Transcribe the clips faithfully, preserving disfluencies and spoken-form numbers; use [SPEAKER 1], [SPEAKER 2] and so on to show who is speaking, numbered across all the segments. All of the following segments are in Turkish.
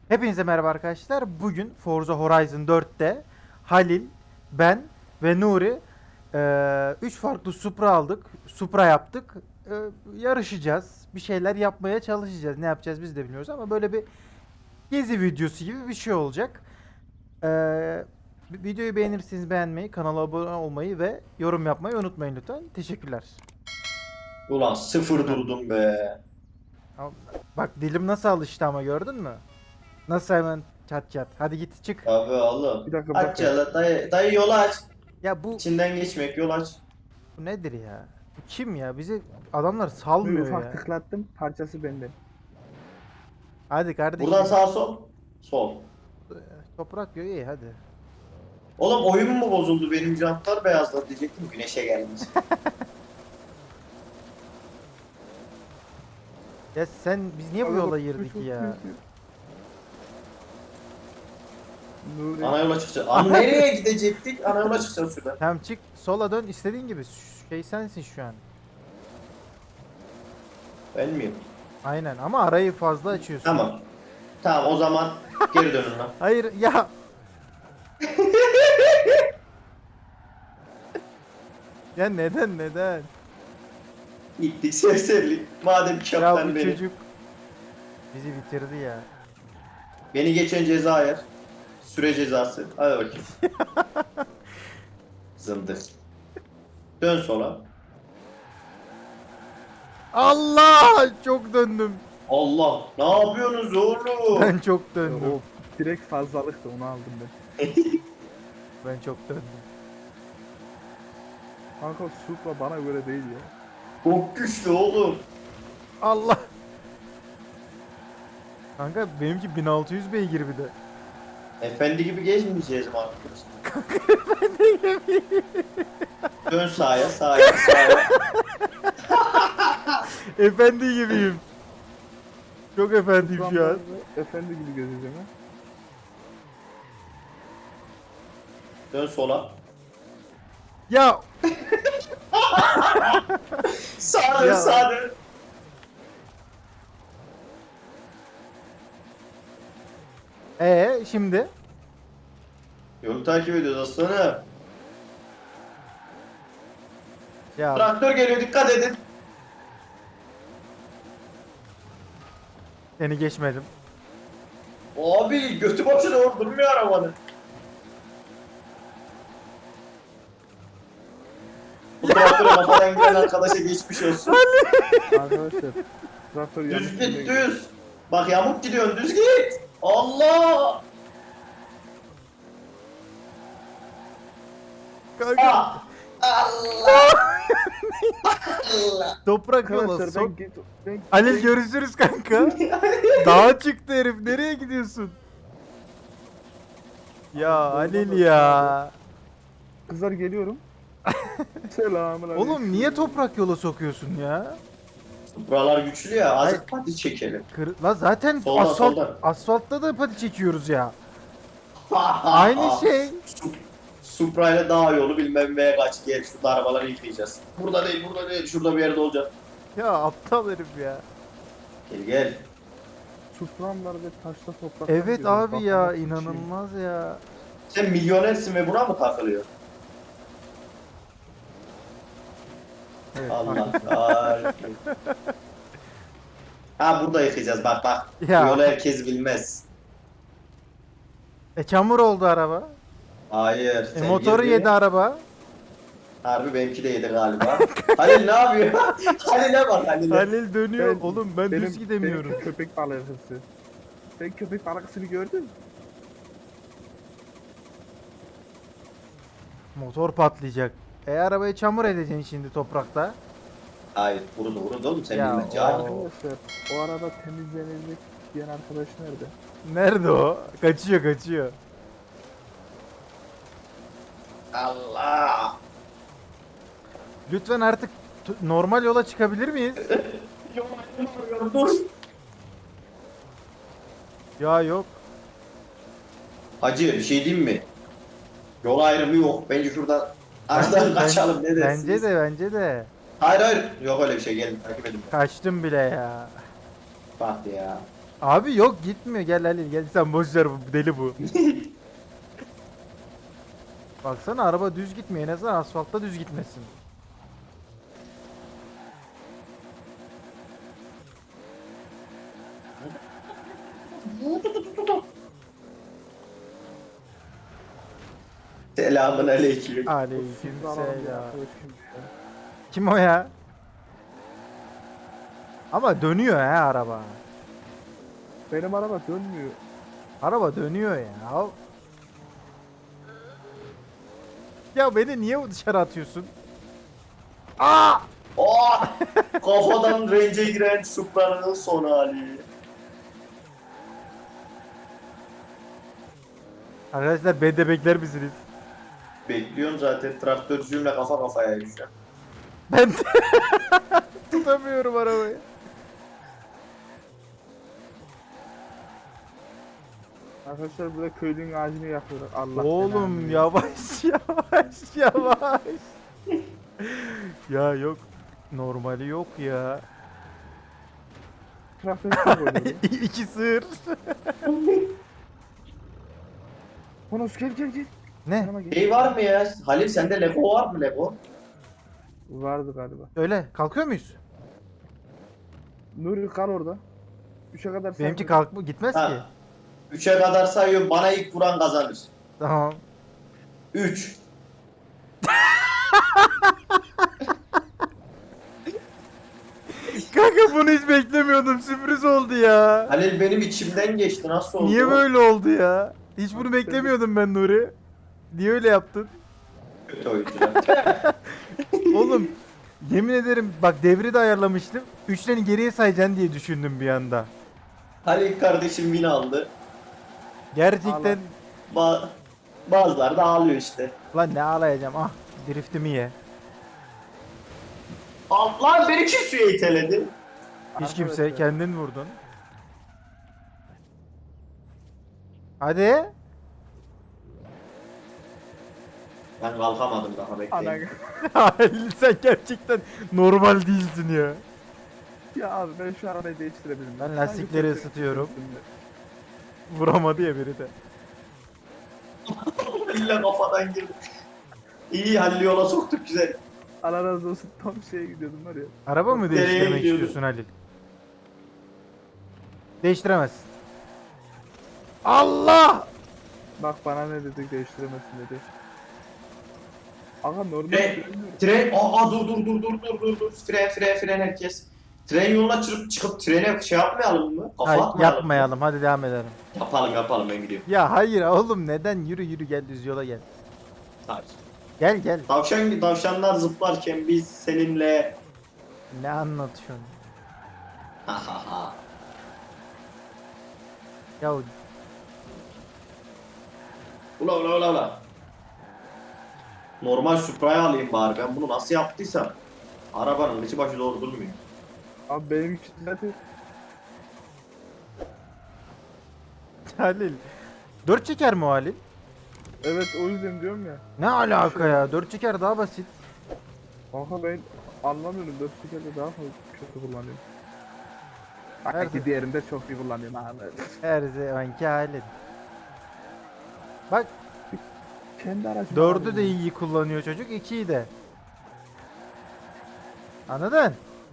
[SPEAKER 1] Hepinize merhaba arkadaşlar. Bugün Forza Horizon dörtte Halil, ben ve Nuri üç farklı Supra aldık. Supra yaptık. Eee, yarışacağız. Bir şeyler yapmaya çalışacağız. Ne yapacağız biz de bilmiyoruz ama böyle bir gezi videosu gibi bir şey olacak. Eee, videoyu beğenirseniz beğenmeyi, kanala abone olmayı ve yorum yapmayı unutmayın lütfen. Teşekkürler.
[SPEAKER 2] Ulan sıfır
[SPEAKER 1] Heh.
[SPEAKER 2] durdum be.
[SPEAKER 1] Al- Bak dilim nasıl alıştı ama gördün mü? Nasıl hemen çat çat. Hadi git çık.
[SPEAKER 2] Abi Allah.
[SPEAKER 3] Bir dakika bir
[SPEAKER 2] Aç
[SPEAKER 3] dakika.
[SPEAKER 2] ya la dayı, dayı yolu aç.
[SPEAKER 1] Ya bu
[SPEAKER 2] İçinden geçmek yol aç.
[SPEAKER 1] Bu nedir ya? Bu kim ya? Bizi adamlar
[SPEAKER 3] Bir
[SPEAKER 1] salmıyor
[SPEAKER 3] ufak
[SPEAKER 1] ya.
[SPEAKER 3] tıklattım. Parçası bende.
[SPEAKER 1] Hadi kardeşim.
[SPEAKER 2] Buradan sağ sol. Sol.
[SPEAKER 1] Toprak diyor iyi hadi.
[SPEAKER 2] Oğlum oyun mu bozuldu? Benim jantlar beyazladı diyecektim. Güneşe gelmiş.
[SPEAKER 1] Ya sen biz niye bu
[SPEAKER 3] Aga
[SPEAKER 1] yola
[SPEAKER 3] bak,
[SPEAKER 1] girdik
[SPEAKER 3] şu- şu-
[SPEAKER 1] ya?
[SPEAKER 3] Nuri.
[SPEAKER 2] Ana yola çıkacağız. Ana nereye gidecektik? Ana yola çıkacağız şuradan.
[SPEAKER 1] Tamam çık sola dön istediğin gibi. Ş- Şey sensin şu an.
[SPEAKER 2] Ben miyim?
[SPEAKER 1] Aynen ama arayı fazla açıyorsun.
[SPEAKER 2] Tamam. Tamam o zaman geri dönün lan.
[SPEAKER 1] Hayır ya. Ya neden neden?
[SPEAKER 2] Gittik serserilik. Madem
[SPEAKER 1] Ya
[SPEAKER 2] kaptan
[SPEAKER 1] bu
[SPEAKER 2] beni.
[SPEAKER 1] çocuk bizi bitirdi ya.
[SPEAKER 2] Beni geçen ceza yer. Süre cezası. Hadi bakayım. Zındık. Dön sola.
[SPEAKER 1] Allah çok döndüm.
[SPEAKER 2] Allah. Ne yapıyorsunuz oğlum?
[SPEAKER 1] Ben çok döndüm.
[SPEAKER 3] O direkt fazlalıktı, onu aldım ben.
[SPEAKER 1] Ben çok döndüm.
[SPEAKER 3] Kanka Supra bana göre değil ya.
[SPEAKER 2] Çok güçlü oğlum.
[SPEAKER 1] Allah. Kanka benimki bin altı yüz beygir bir de.
[SPEAKER 2] Efendi gibi gezmeyeceğiz mi artık? Dön sağa, sağa, sağa.
[SPEAKER 1] Efendi gibiyim. Çok efendiyim şu an.
[SPEAKER 3] Supra'mda efendi gibi gözüküyor ha.
[SPEAKER 2] Dön sola.
[SPEAKER 1] Ya
[SPEAKER 2] Sağa dön,
[SPEAKER 1] Ya.
[SPEAKER 2] sağa dön.
[SPEAKER 1] ee şimdi
[SPEAKER 2] Yolu takip ediyoruz aslanım.
[SPEAKER 1] ya
[SPEAKER 2] Traktör geliyor, dikkat edin.
[SPEAKER 1] seni geçmedim.
[SPEAKER 2] Abi götü başı doğru durmuyor arabanın. Bu traktöre kafadan giren arkadaşa geçmiş olsun.
[SPEAKER 3] Arkadaşlar. Traktör yanlış
[SPEAKER 2] Düz
[SPEAKER 3] yöne
[SPEAKER 2] git
[SPEAKER 3] gidiyor.
[SPEAKER 2] düz. Bak yamuk gidiyorsun, düz git. Allah!
[SPEAKER 1] Kanka
[SPEAKER 2] Ah! Allah! Allah!
[SPEAKER 1] toprak yola
[SPEAKER 3] Arkadaşlar ben
[SPEAKER 1] sok.
[SPEAKER 3] git. Ben
[SPEAKER 1] Halil görüşürüz kanka. Dağa çıktı herif. Nereye gidiyorsun? Ya Halil ya.
[SPEAKER 3] Kızlar geliyorum. Selamun aleyküm.
[SPEAKER 1] Oğlum niye toprak yola sokuyorsun ya?
[SPEAKER 2] Buralar güçlü ya,
[SPEAKER 1] Hayır.
[SPEAKER 2] azıcık pati çekelim.
[SPEAKER 1] Kır... La zaten
[SPEAKER 2] Soldan,
[SPEAKER 1] asfalt
[SPEAKER 2] soldan.
[SPEAKER 1] asfaltta da pati çekiyoruz ya. Aynı şey.
[SPEAKER 2] Su- Supra ile dağ yolu bilmem neye kaç gel şurada arabaları yıkayacağız. Burada değil, burada değil, şurada bir yerde olacak.
[SPEAKER 1] Ya aptal herif ya.
[SPEAKER 2] Gel gel.
[SPEAKER 3] Supra'mlar ve taşla toprak.
[SPEAKER 1] Evet abi ya inanılmaz ya.
[SPEAKER 2] Sen milyonersin ve buna mı takılıyor?
[SPEAKER 3] Evet,
[SPEAKER 2] Allah kahretsin. Ha burada yıkayacağız bak bak.
[SPEAKER 1] Ya.
[SPEAKER 2] Bu yolu herkes bilmez.
[SPEAKER 1] E çamur oldu araba.
[SPEAKER 2] Hayır.
[SPEAKER 1] E
[SPEAKER 2] sen
[SPEAKER 1] motoru
[SPEAKER 2] girdin.
[SPEAKER 1] yedi araba.
[SPEAKER 2] Harbi benimki de yedi galiba. Halil ne yapıyor? Halil'e bak Halil'e.
[SPEAKER 1] Halil dönüyor.
[SPEAKER 3] Ben-
[SPEAKER 1] Oğlum ben
[SPEAKER 3] benim,
[SPEAKER 1] düz gidemiyorum.
[SPEAKER 3] Benim köpek balıkçısı. Sen köpek balıkçısını gördün mü?
[SPEAKER 1] Motor patlayacak. E arabayı çamur edeceksin şimdi toprakta.
[SPEAKER 2] Hayır vurdu vurdu oğlum sen
[SPEAKER 1] Ya,
[SPEAKER 2] bilmem.
[SPEAKER 1] o-
[SPEAKER 2] Cahil.
[SPEAKER 3] Arkadaşlar o arada temizlenecek diyen arkadaş nerede?
[SPEAKER 1] Nerede o? Kaçıyor kaçıyor.
[SPEAKER 2] Allah.
[SPEAKER 1] Lütfen artık t- normal yola çıkabilir miyiz?
[SPEAKER 2] Dur.
[SPEAKER 1] Ya yok.
[SPEAKER 2] Hacı bir şey diyeyim mi? Yol ayrımı yok. Bence şuradan aradan kaçalım ne dersiniz?
[SPEAKER 1] Bence de bence de.
[SPEAKER 2] Hayır hayır. Yok öyle bir şey gelin takip edin.
[SPEAKER 1] Kaçtım bile ya.
[SPEAKER 2] Bak ya.
[SPEAKER 1] Abi yok gitmiyor. Gel Halil gel sen boş ver bu deli bu. Baksana araba düz gitmiyor. En azından asfaltta düz gitmesin.
[SPEAKER 2] Selamun aleyküm.
[SPEAKER 1] Aleyküm
[SPEAKER 3] Supra alalım bir
[SPEAKER 1] selam.
[SPEAKER 3] arkadaşım.
[SPEAKER 1] Kim o ya? Ama dönüyor ha araba.
[SPEAKER 3] Benim araba dönmüyor.
[SPEAKER 1] Araba dönüyor ya. Ya beni niye dışarı atıyorsun? Aa!
[SPEAKER 2] Oh! Kafadan range'e giren Supra'nın son hali.
[SPEAKER 1] Arkadaşlar beni de bekler misiniz?
[SPEAKER 2] Bekliyorum zaten traktörcüğümle kafa kafaya şu an.
[SPEAKER 1] Ben de tutamıyorum arabayı.
[SPEAKER 3] Arkadaşlar burada köylünün ağacını yakıyorlar. Allah
[SPEAKER 1] Oğlum
[SPEAKER 3] belanı
[SPEAKER 1] yavaş yavaş yavaş. Ya yok. Normali yok ya.
[SPEAKER 3] Traktör çok oynuyor.
[SPEAKER 1] İki sığır.
[SPEAKER 3] Honos gel gel gel.
[SPEAKER 1] Ne?
[SPEAKER 3] Yanıma gel.
[SPEAKER 2] Şey var mı ya? Halil sende Lego var mı Lego?
[SPEAKER 3] Vardı galiba.
[SPEAKER 1] Öyle kalkıyor muyuz?
[SPEAKER 3] Nuri kal orada. Üçe kadar sen
[SPEAKER 1] Benimki
[SPEAKER 3] vur.
[SPEAKER 1] kalk gitmez ki.
[SPEAKER 2] Ha. Üçe kadar sayıyorum. Bana ilk vuran kazanır.
[SPEAKER 1] Tamam.
[SPEAKER 2] Üç.
[SPEAKER 1] Kanka bunu hiç beklemiyordum. Sürpriz oldu ya.
[SPEAKER 2] Halil benim içimden geçti. Nasıl oldu?
[SPEAKER 1] Niye böyle oldu ya? Hiç bunu beklemiyordum ben Nuri. Niye öyle yaptın?
[SPEAKER 2] Kötü oyuncular.
[SPEAKER 1] Oğlum yemin ederim bak devri de ayarlamıştım. Üçlerini geriye sayacaksın diye düşündüm bir anda.
[SPEAKER 2] Halil kardeşim win aldı.
[SPEAKER 1] Gerçekten
[SPEAKER 2] Ba Bazıları da ağlıyor işte.
[SPEAKER 1] lan ne ağlayacağım ah driftimi ye.
[SPEAKER 2] Al lan beni kim suya iteledi?
[SPEAKER 1] Hiç kimse
[SPEAKER 3] Arkadaşlar,
[SPEAKER 1] kendin vurdun. Hadi.
[SPEAKER 2] Ben kalkamadım daha
[SPEAKER 3] Ana
[SPEAKER 2] bekleyin.
[SPEAKER 1] Halil sen gerçekten normal değilsin ya.
[SPEAKER 3] ya abi ben şu arabayı değiştirebilirim.
[SPEAKER 1] Ben
[SPEAKER 3] Sanki
[SPEAKER 1] lastikleri
[SPEAKER 3] çok
[SPEAKER 1] ısıtıyorum.
[SPEAKER 3] üstünde.
[SPEAKER 1] Vuramadı ya biri de.
[SPEAKER 2] İlla kafadan girdi. İyi Halil'i yola soktuk güzel.
[SPEAKER 3] Allah razı olsun tam şeye gidiyordum var ya.
[SPEAKER 1] Araba mı
[SPEAKER 2] Nereye
[SPEAKER 1] değiştirmek
[SPEAKER 2] gidiyordun?
[SPEAKER 1] istiyorsun Halil? Değiştiremezsin. Allah!
[SPEAKER 3] Bak bana ne dedik değiştiremezsin dedi. Aga normal
[SPEAKER 2] Tren,
[SPEAKER 3] görünmüyor.
[SPEAKER 2] tren, aa dur dur dur dur dur dur dur. Fren fren fren herkes. Tren yoluna çıkıp çıkıp trene şey yapmayalım mı? Kafa
[SPEAKER 1] Hayır
[SPEAKER 2] atmayalım mı?
[SPEAKER 1] yapmayalım hadi devam edelim.
[SPEAKER 2] Yapalım yapalım ben gidiyorum.
[SPEAKER 1] Ya hayır oğlum neden yürü yürü gel düz yola gel.
[SPEAKER 2] Hayır.
[SPEAKER 1] Gel gel.
[SPEAKER 2] Tavşan, tavşanlar zıplarken biz seninle
[SPEAKER 1] Ne anlatıyorsun?
[SPEAKER 2] ha ha ha.
[SPEAKER 1] Ya
[SPEAKER 2] Ula ula ula ula. Normal Supra'yı alayım bari. Ben bunu nasıl yaptıysam. Arabanın içi başı doğru durmuyor.
[SPEAKER 3] Abi benimki zaten
[SPEAKER 1] Halil. Dört çeker mi o Halil?
[SPEAKER 3] evet o yüzden diyorum ya.
[SPEAKER 1] Ne alaka ya? Dört çeker daha basit.
[SPEAKER 3] Kanka ben anlamıyorum dört tekerde daha fazla kötü kullanıyorum.
[SPEAKER 1] Her-
[SPEAKER 3] Belki diğerinde çok iyi kullanıyorum abi.
[SPEAKER 1] Her zamanki Halil. Bak
[SPEAKER 3] Kendi aracımı
[SPEAKER 1] dördü
[SPEAKER 3] alayım
[SPEAKER 1] de
[SPEAKER 3] ya.
[SPEAKER 1] iyi kullanıyor çocuk. ikiyi de. Anladın?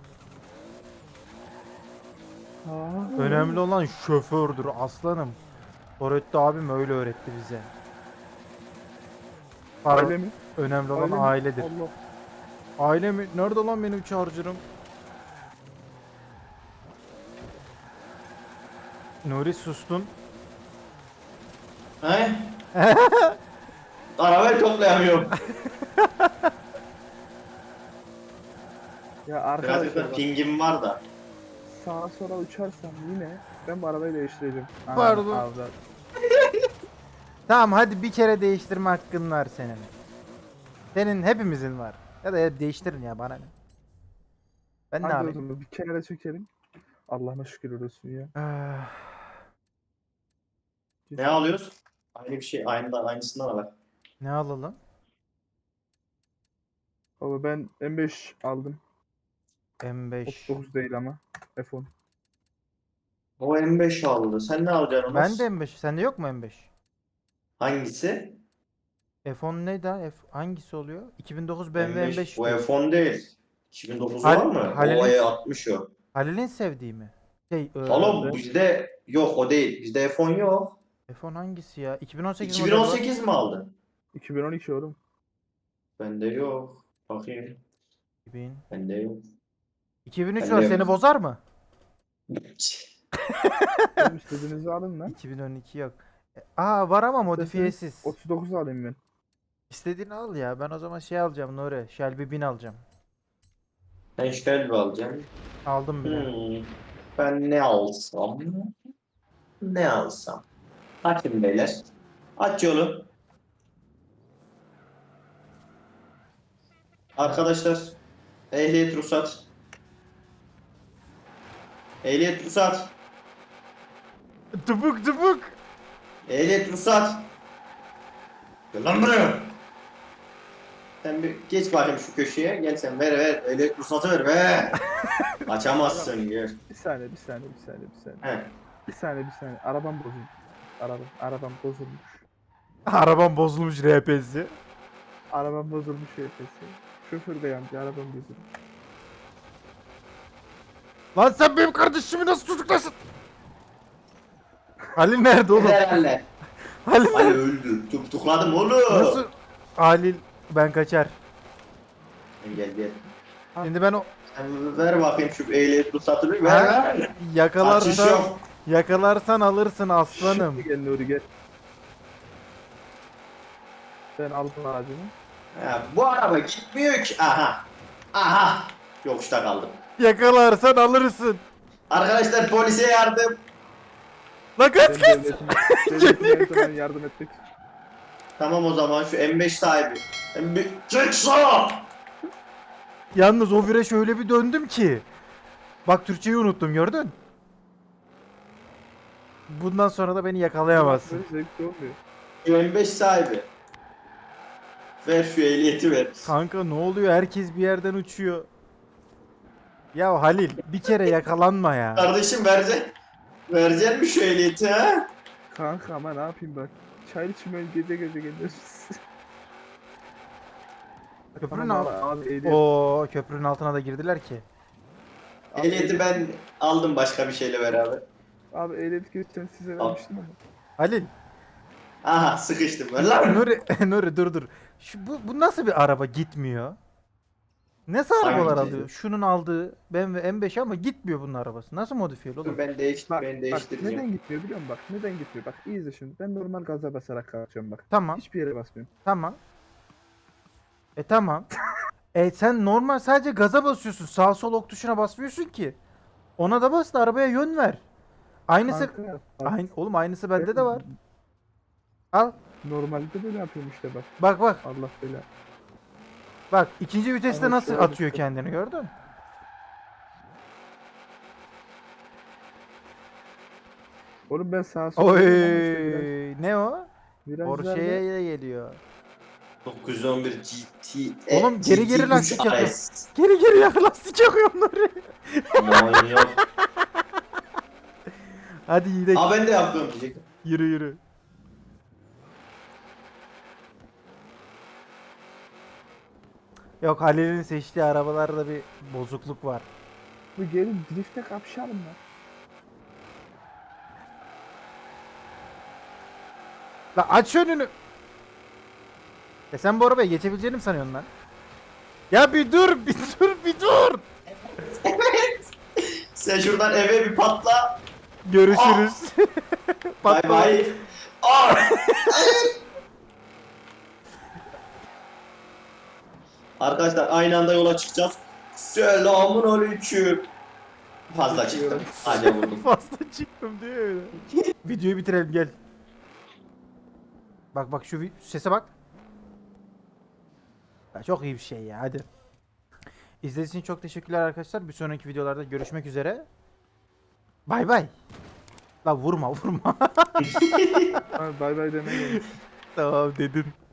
[SPEAKER 3] Aa.
[SPEAKER 1] Önemli olan şofördür aslanım. Öğretti abim öyle öğretti bize. Para,
[SPEAKER 3] Aile mi?
[SPEAKER 1] önemli olan
[SPEAKER 3] Aile mi?
[SPEAKER 1] ailedir.
[SPEAKER 3] Allah.
[SPEAKER 1] Aile mi? Nerede lan benim charger'ım? Nuri sustun.
[SPEAKER 2] He? Arabayı toplayamıyorum.
[SPEAKER 3] Ya arkadaşlar
[SPEAKER 2] Gerçekten
[SPEAKER 3] bak,
[SPEAKER 2] pingim var da.
[SPEAKER 3] sağa sola uçarsam yine ben bu arabayı değiştireceğim. Anam,
[SPEAKER 1] Pardon.
[SPEAKER 3] avrat.
[SPEAKER 1] Tamam hadi bir kere değiştirme hakkın var senin. Senin hepimizin var. Ya da hep değiştirin ya bana ne. Ben ne
[SPEAKER 3] Hadi o
[SPEAKER 1] yapayım?
[SPEAKER 3] zaman bir kenara çekelim. Allah'ına şükür olsun ya.
[SPEAKER 1] Ah,
[SPEAKER 2] Ne alıyoruz? Aynı bir şey, aynı aynısından al.
[SPEAKER 1] ne alalım?
[SPEAKER 3] Baba ben M beş aldım.
[SPEAKER 1] M beş.
[SPEAKER 3] otuz dokuz değil ama. F on.
[SPEAKER 2] O M beş aldı. Sen ne alacaksın Onur?
[SPEAKER 1] Ben de M beş. Sende yok mu M beş?
[SPEAKER 2] Hangisi?
[SPEAKER 1] F on neydi ha? F hangisi oluyor? iki bin dokuz B M W
[SPEAKER 2] M beş.
[SPEAKER 1] M beş
[SPEAKER 2] O
[SPEAKER 1] diyor.
[SPEAKER 2] F on değil. iki bin dokuz
[SPEAKER 1] Hal-
[SPEAKER 2] var mı?
[SPEAKER 1] Halil'in-
[SPEAKER 2] O E altmış o.
[SPEAKER 1] Halil'in sevdiği mi? Şey, e,
[SPEAKER 2] Oğlum bizde yok o değil. Bizde F on yok.
[SPEAKER 1] F on hangisi ya? iki bin on sekiz modeli var.
[SPEAKER 2] iki bin on sekiz mi aldın?
[SPEAKER 3] iki bin on iki oğlum.
[SPEAKER 2] Bende yok. Bakayım.
[SPEAKER 1] iki bin.
[SPEAKER 2] Bende yok.
[SPEAKER 1] iki bin üç
[SPEAKER 2] Bende
[SPEAKER 1] var.
[SPEAKER 2] yok.
[SPEAKER 1] Seni bozar mı?
[SPEAKER 3] Oğlum istediğinizi alın lan.
[SPEAKER 1] iki bin on iki yok. E, Aa var ama modifiyesiz.
[SPEAKER 3] otuz dokuz alayım ben.
[SPEAKER 1] İstediğini al ya. Ben o zaman şey alacağım Nuri. Shelby bin alacağım.
[SPEAKER 2] Ben Shelby alacağım.
[SPEAKER 1] Aldım bile.
[SPEAKER 2] Hmm. Ben ne alsam? Ne alsam? Açın beyler. Aç yolu. Arkadaşlar. Ehliyet ruhsat. Ehliyet ruhsat.
[SPEAKER 1] Tıpık tıpık.
[SPEAKER 2] Ehliyet ruhsat. Gel lan buraya. Sen bir geç bakayım şu köşeye. Gel sen ver ver. Ehliyet ruhsatı ver ver. Açamazsın gel.
[SPEAKER 3] Bir saniye, bir saniye, bir saniye, bir saniye.
[SPEAKER 2] He.
[SPEAKER 3] Bir saniye, bir saniye. Arabam bozulmuş. Arabam, arabam bozulmuş.
[SPEAKER 1] Arabam bozulmuş R P'si.
[SPEAKER 3] Arabam bozulmuş F P'si. Şoför de yandı, arabam bozulmuş.
[SPEAKER 1] Lan sen benim kardeşimi nasıl tutuklasın? Halil nerede oğlum?
[SPEAKER 2] Herhalde.
[SPEAKER 1] Halil
[SPEAKER 2] Ali
[SPEAKER 1] nerede?
[SPEAKER 2] öldü. Tutukladım oğlum.
[SPEAKER 1] Nasıl? Halil ben kaçar.
[SPEAKER 2] Gel gel.
[SPEAKER 1] Şimdi ben o
[SPEAKER 2] Sen ver bakayım şu ehliyet ruhsatını ver
[SPEAKER 1] Ha?
[SPEAKER 2] ver. Kaçış
[SPEAKER 1] yakalarsan
[SPEAKER 2] yok.
[SPEAKER 1] yakalarsan alırsın aslanım.
[SPEAKER 3] Şimdi gel Nuri gel. Ben aldım ağacını.
[SPEAKER 2] Ha, bu araba gitmiyor ki. Aha. Aha. Yokuşta kaldım.
[SPEAKER 1] Yakalarsan alırsın.
[SPEAKER 2] Arkadaşlar polise yardım.
[SPEAKER 1] Lan kaç
[SPEAKER 3] Ben
[SPEAKER 1] kaç.
[SPEAKER 3] devletim, devletim her zaman yardım etmek.
[SPEAKER 2] Tamam o zaman şu M beş sahibi. M beş çık sağa.
[SPEAKER 1] Yalnız o vire şöyle bir döndüm ki. Bak Türkçeyi unuttum gördün. Bundan sonra da beni yakalayamazsın.
[SPEAKER 3] Böyle zevkli olmuyor.
[SPEAKER 2] Şu M beş sahibi. Ver şu ehliyeti ver.
[SPEAKER 1] Kanka ne oluyor? Herkes bir yerden uçuyor. Ya Halil bir kere yakalanma ya.
[SPEAKER 2] Kardeşim vereceksin. Vereceksin mi şu ehliyeti ha?
[SPEAKER 3] Kanka ama ne yapayım bak. Çay içmeye gece gece geliyoruz.
[SPEAKER 1] Köprünün
[SPEAKER 3] Tamam
[SPEAKER 1] al.
[SPEAKER 3] abi, ehliyet.
[SPEAKER 1] Oo köprünün altına da girdiler ki.
[SPEAKER 3] Abi,
[SPEAKER 2] Ehliyeti ben aldım başka bir şeyle beraber.
[SPEAKER 3] Abi ehliyet geçen size
[SPEAKER 2] Al.
[SPEAKER 3] vermiştim ama.
[SPEAKER 1] Halil,
[SPEAKER 2] Aha sıkıştım. Ver lan.
[SPEAKER 1] Nuri, Nuri dur dur. Şu, bu, bu nasıl bir araba gitmiyor? Nasıl arabalar
[SPEAKER 2] Hangisi?
[SPEAKER 1] alıyor? Şunun aldığı B M W M beş ama gitmiyor bunun arabası. Nasıl modifiyeli oğlum?
[SPEAKER 2] Ben değiş
[SPEAKER 3] Bak,
[SPEAKER 2] ben
[SPEAKER 3] bak
[SPEAKER 2] değiştireceğim.
[SPEAKER 3] neden gitmiyor biliyor musun? Bak neden gitmiyor? Bak iyi izle şimdi. Ben normal gaza basarak kalkacağım bak.
[SPEAKER 1] Tamam,
[SPEAKER 3] Hiçbir yere basmıyorum.
[SPEAKER 1] tamam. E tamam. E sen normal sadece gaza basıyorsun. Sağ sol ok tuşuna basmıyorsun ki. Ona da bas da arabaya yön ver. Aynısı
[SPEAKER 3] Kanka, bak,
[SPEAKER 1] aynı oğlum aynısı bende de var. Al.
[SPEAKER 3] Normalde böyle yapıyorum işte bak.
[SPEAKER 1] Bak bak.
[SPEAKER 3] Allah bela.
[SPEAKER 1] Bak ikinci viteste
[SPEAKER 3] Ama
[SPEAKER 1] nasıl
[SPEAKER 3] şöyle
[SPEAKER 1] atıyor
[SPEAKER 3] bir-
[SPEAKER 1] kendini gördün?
[SPEAKER 3] Oğlum ben sağa sola
[SPEAKER 1] Oy
[SPEAKER 3] gidiyorum ama işte
[SPEAKER 1] ne o?
[SPEAKER 3] biraz-
[SPEAKER 1] Porsche'ye
[SPEAKER 3] virajlarda-
[SPEAKER 1] de geliyor.
[SPEAKER 2] dokuz yüz on bir G T.
[SPEAKER 1] Oğlum, geri geri
[SPEAKER 2] G T üç
[SPEAKER 1] lastik yapıyor.
[SPEAKER 2] R S.
[SPEAKER 1] Geri geri yak lastik yakıyor onları.
[SPEAKER 2] Manyak.
[SPEAKER 1] Hadi gidelim.
[SPEAKER 2] Aa ben de yaptım diyecektim.
[SPEAKER 1] Yürü yürü. Yok Halil'in seçtiği arabalarda bir bozukluk var.
[SPEAKER 3] Bu gelin drifte kapışalım lan.
[SPEAKER 1] La aç önünü. Ya sen bu arabaya geçebileceğini mi sanıyorsun lan? Ya bir dur, bir dur, bir dur.
[SPEAKER 2] Sen şuradan eve bir patla.
[SPEAKER 1] Görüşürüz.
[SPEAKER 2] Bay
[SPEAKER 1] Patla.
[SPEAKER 2] bay. Aa! Arkadaşlar aynı anda yola çıkacağız. Selamun aleyküm. Fazla çıktım. Hadi vurdum.
[SPEAKER 1] Fazla çıktım diyor öyle. Videoyu bitirelim gel. Bak bak şu vi- sese bak. Ya çok iyi bir şey ya hadi. İzlediğiniz için çok teşekkürler arkadaşlar. Bir sonraki videolarda görüşmek üzere. Bay bay. La vurma vurma.
[SPEAKER 3] Abi bay bay demeye gelmiş.
[SPEAKER 1] Tamam dedim.